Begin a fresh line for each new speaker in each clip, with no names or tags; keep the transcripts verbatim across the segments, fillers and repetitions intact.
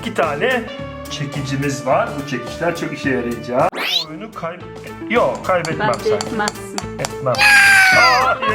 İki tane çekicimiz var. Bu çekiçler çok işe yarayacak. Bu oyunu kay... Yok, kaybetmem
Bence
sen.
etmezsin.
Etmem. Hayır.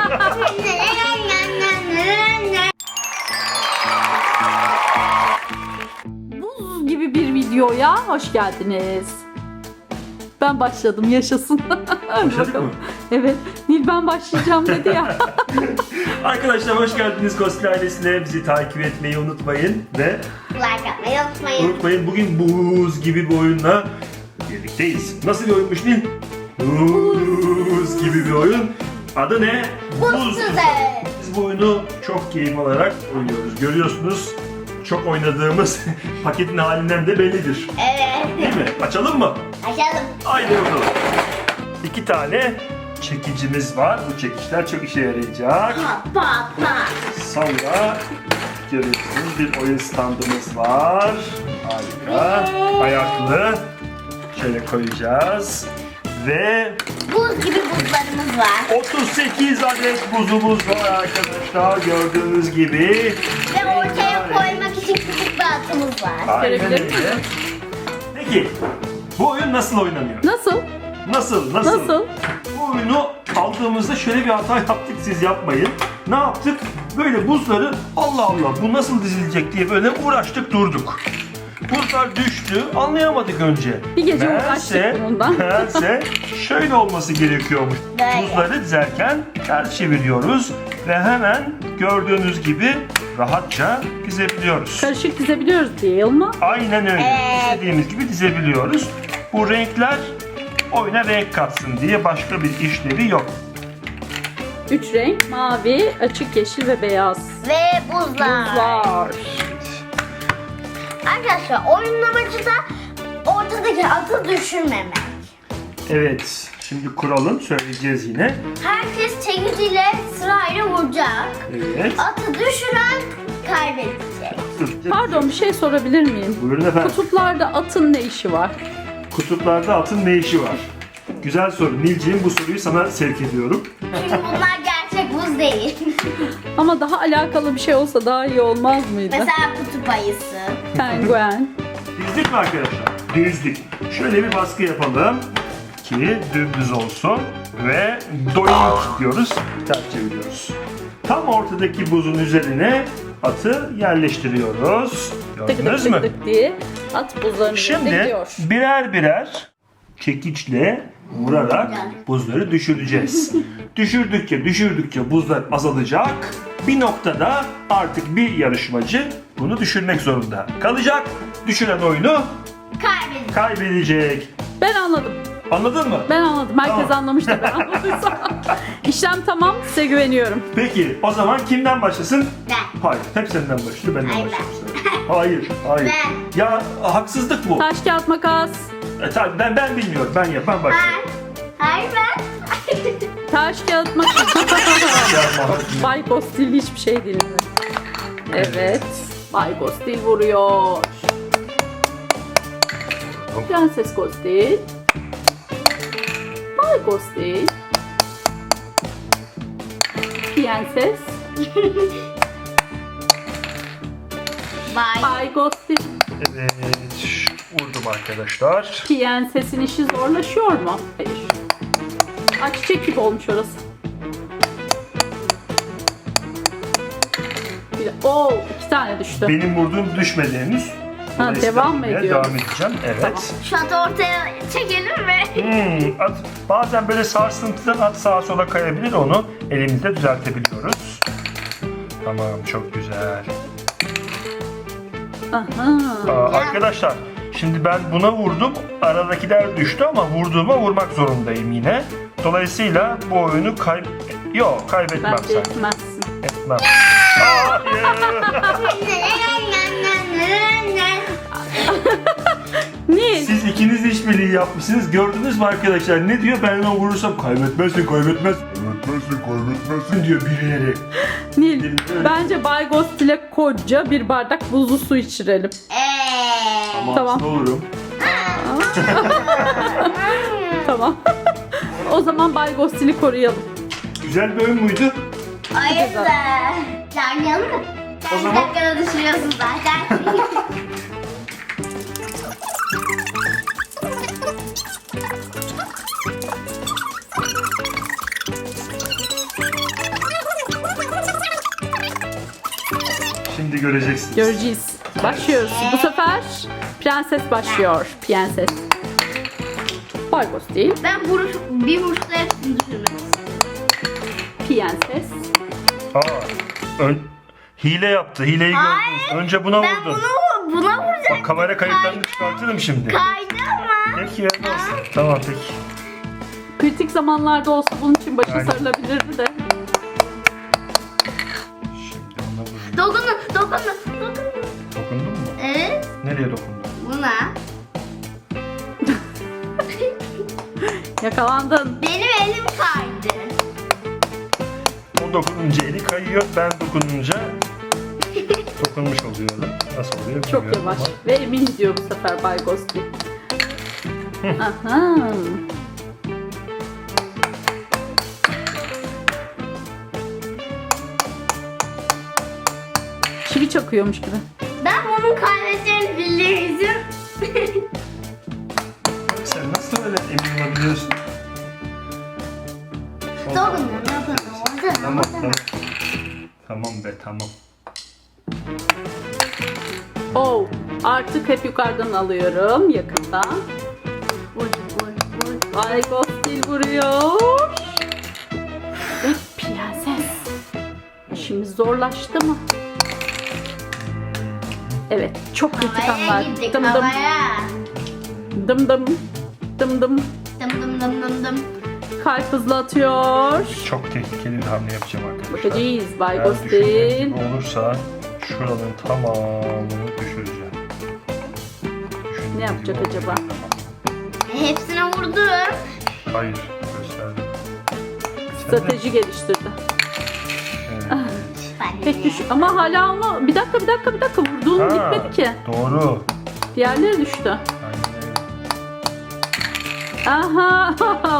Buz gibi bir videoya hoş geldiniz. Ben başladım, yaşasın.
Başladık mı?
Evet. Nil ben başlayacağım dedi ya.
Arkadaşlar hoş geldiniz Ghostly ailesine. Bizi takip etmeyi unutmayın ve
Like atmayı unutmayın.
unutmayın bugün buz gibi bir oyunla birlikteyiz. Nasıl bir oyunmuş Nil? Buz gibi bir oyun. Adı ne?
Buz tuzağı.
Biz bu oyunu çok keyif alarak oynuyoruz. Görüyorsunuz çok oynadığımız paketin halinden de bellidir.
Evet.
Değil mi? Açalım mı?
Açalım.
Haydi bakalım. İki tane çekicimiz var. Bu çekiçler çok işe yarayacak.
Pa pa pa.
Sonra görüyorsunuz bir oyun standımız var. Harika. Ayaklı. Şöyle koyacağız. Ve
Buz gibi buzlarımız var.
otuz sekiz adet buzumuz var arkadaşlar. Gördüğünüz gibi.
Ve ortaya koymak için küçük bir atımız var.
Aynen
Görebilir
öyle.
miyim?
Peki bu oyun nasıl oynanıyor?
Nasıl?
Nasıl? Nasıl?
Nasıl?
Bu oyunu aldığımızda şöyle bir hata yaptık, siz yapmayın. Ne yaptık? Böyle buzları Allah Allah bu nasıl dizilecek diye böyle uğraştık durduk. Buzlar düştü, anlayamadık önce.
Bir gece
Meğerse-
uğraştık bundan.
Meğerse şöyle olması gerekiyormuş.
Böyle.
Buzları dizerken ters çeviriyoruz ve hemen gördüğünüz gibi rahatça dizebiliyoruz.
Karışık dizebiliyoruz değil mi?
Aynen öyle.
Evet.
İstediğimiz gibi dizebiliyoruz. Bu renkler oyuna renk katsın diye başka bir işlevi yok.
Üç renk: mavi, açık yeşil ve beyaz.
Ve buzlar.
Buzlar.
Arkadaşlar oyunun amacı da ortadaki atı düşürmemek.
Evet, şimdi kuralım söyleyeceğiz yine.
Herkes çekiciyle sırayla vuracak.
Evet.
Atı düşüren kaybedecek.
Dur.
Pardon, bir şey sorabilir miyim?
Buyurun efendim.
Kutuplarda atın ne işi var?
Kutuplarda atın ne işi var? Güzel soru. Nilciğim bu soruyu sana sevk ediyorum.
Çünkü bunlar gerçek buz değil.
Ama daha alakalı bir şey olsa daha iyi olmaz mıydı?
Mesela kutup ayısı.
Penguen.
Dizdik mi arkadaşlar? Dizdik. Şöyle bir baskı yapalım ki dümdüz olsun ve doink diyoruz, ters çeviriyoruz. Tam ortadaki buzun üzerine atı yerleştiriyoruz.
Tık tık
Gördünüz
tık
mü?
tık diye at buzların üzerinde
Şimdi
gidiyor.
birer birer çekiçle vurarak buzları düşüreceğiz. Düşürdükçe düşürdükçe buzlar azalacak. Bir noktada artık bir yarışmacı bunu düşürmek zorunda kalacak. Düşüren oyunu
Kaybedecek.
kaybedecek.
Ben anladım.
Anladın mı?
Ben anladım. Herkes
Tamam.
anlamış da ben anladıysam. İşlem tamam. Size güveniyorum.
Peki o zaman kimden başlasın?
Ben.
Hayır. Hep senden başlıyor. Benden
Hayır,
başlıyorum. Hayır. Hayır.
Ben.
Ya haksızlık bu.
Taş, kağıt, makas.
E, tabii ben ben bilmiyorum. Ben yap. Ben başlıyorum.
Ben. Hayır ben.
Taş, kağıt, makas.
Yapma.
Bay Gostil hiçbir şey dinlemiyor. Evet. Bay Gostil vuruyor. Prenses Gostil. Bay Gostil. Prenses.
Bye.
Bay Gostil.
Evet. Vurdum arkadaşlar.
Prensesin işi zorlaşıyor mu? Hayır. Aa, çiçek gibi olmuş orası. Bir, oo, iki tane düştü.
Benim vurduğum düşmedi henüz.
Ha,
Dolayısıyla
devam mı
vurmaya
ediyoruz?
Devam edeceğim. Evet.
Tamam.
Şu atı ortaya çekelim mi?
Hmm, at, bazen böyle sarsıntıdan at sağa sola kayabilir, onu elimizde düzeltebiliyoruz. Tamam, çok güzel.
Aha.
Aa, arkadaşlar şimdi ben buna vurdum, aradakiler düştü ama vurduğuma vurmak zorundayım yine. Dolayısıyla bu oyunu kay... Yok, kaybetmem
Bence
sen.
etmezsin.
Etmem. Hayır.
Nil.
Siz ikiniz de işbirliği yapmışsınız. Gördünüz mü arkadaşlar? Ne diyor? Ben ona vurursam kaybetmezsin, kaybetmez. Kaybetmezsin, kaybetmezsin diyor birileri.
Nil. Bence Bay Gostil'e koca bir bardak buzlu su içirelim.
Eee.
Ama
Tamam.
hasta olurum.
Tamam. O zaman Bay Gostil'i koruyalım.
Güzel bir oyun muydu?
Hayır da. Oynayalım mı?
O
Sen
zaman-
bir dakikada düşürüyorsun zaten.
göreceksiniz.
Göreceğiz. Başlıyoruz. Bu sefer prenses başlıyor. Prenses. Baygos değil.
Ben vuruş, bir vuruşta hepsini düşürmek istiyorum.
Prenses.
Aa, ön, hile yaptı. Hileyi
Hayır.
gördünüz. Önce buna
Ben
vurdun.
bunu buna vuracaktım.
Bak, kamera kayıtlarını çıkartırım şimdi.
Kaydı ama.
Peki ya, olsun. Tamam peki.
Kritik zamanlarda olsa bunun için başı
Aynen.
sarılabilirdi de.
Şimdi ona vurayım.
Dokundum, dokundum, dokundum.
Dokundun mu?
Evet,
Nereye dokundun?
buna.
Yakalandın.
Benim elim kaydı.
O dokununca eli kayıyor. Ben dokununca dokunmuş oluyorum. Nasıl oluyor
Çok
bilmiyorum
yavaş.
ama.
Ve emin gidiyor bu sefer Bay Ghosty. Aha. Çivi çakıyormuş gibi.
Ben bunun kaybedeceğini bilirdim.
Sen nasıl öyle emin olabiliyorsun?
Dokundum, dokundum. Orada,
Tamam
orada.
tamam. Tamam be tamam.
Oh, artık hep yukarıdan alıyorum yakından.
Vur, vur, vur.
Bay Ghosty vuruyor. Ve prenses. İşimiz zorlaştı mı? Evet, çok kritik
Havaya
anlar.
gittik,
Dım dım,
havaya.
dım dım, dım dım.
Dım dım dım dım dım.
Kalp hızlı atıyor.
Çok tehlikeli bir hamle yapacağım arkadaşlar.
Bakacağız Bay
Eğer
Ghosty.
düşündüğüm gibi olursa şuraların tamamını düşüreceğim. Düşündüğüm
Ne yapacak
gibi
acaba?
olmayacak ama.
E, hepsine vurdum.
Hayır, gösterdim.
Strateji geliştirdi.
Evet.
Pek düş ama hala ama bir dakika bir dakika bir dakika vurduğun
Ha,
gitmedi ki.
Doğru.
Diğerleri düştü.
Aynen öyle.
Aha.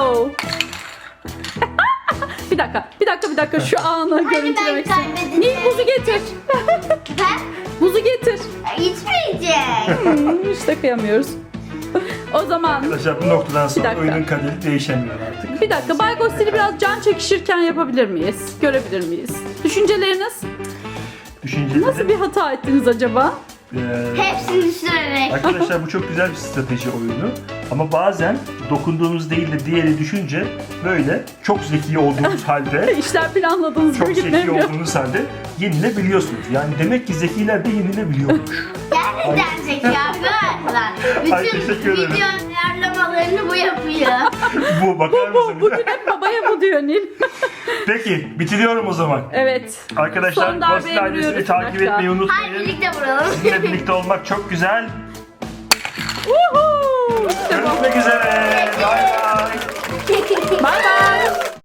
bir dakika bir dakika bir dakika şu anı
ben
görüntülemek istiyorum.
kaybedeceğim.
Nil buzu getir.
Ben
Buzu getir.
içmeyeceğim.
Hmm, işte kıyamıyoruz. O zaman
Arkadaşlar bu noktadan sonra
dakika.
oyunun kaderi değişemiyor artık.
bir dakika Bay Ghosty'li biraz can çekişirken yapabilir miyiz? Görebilir miyiz? Düşünceleriniz?
Düşünceleri,
Nasıl bir hata ettiniz acaba?
eee,
Hepsini düşürerek.
Arkadaşlar bu çok güzel bir strateji oyunu. Ama bazen dokunduğunuz değil de diğeri düşünce böyle çok zeki olduğunuz halde
İşler planladığınız
çok
gibi
zeki
gitmiyor.
olduğunuz halde yenilebiliyorsunuz. Yani demek ki zekiler de yenilebiliyormuş.
Gerçekten zeki arkadaşlar.
Ay,
Bütün
teşekkür ederim.
video ayarlamalarını bu yapıyor.
Bu bakar mısın?
Bu, bugün hep babaya bu diyor Nil.
Peki bitiriyorum o zaman.
Evet.
Arkadaşlar
Son darbeyi
Ghosty ailesini
vuruyoruz.
takip
Bir dakika.
etmeyi
Haydi
unutmayın.
birlikte vuralım.
Sizinle birlikte olmak çok güzel.
Woohoo! İşte bu.
Görüşmek üzere. Bay bay.
Bay bay.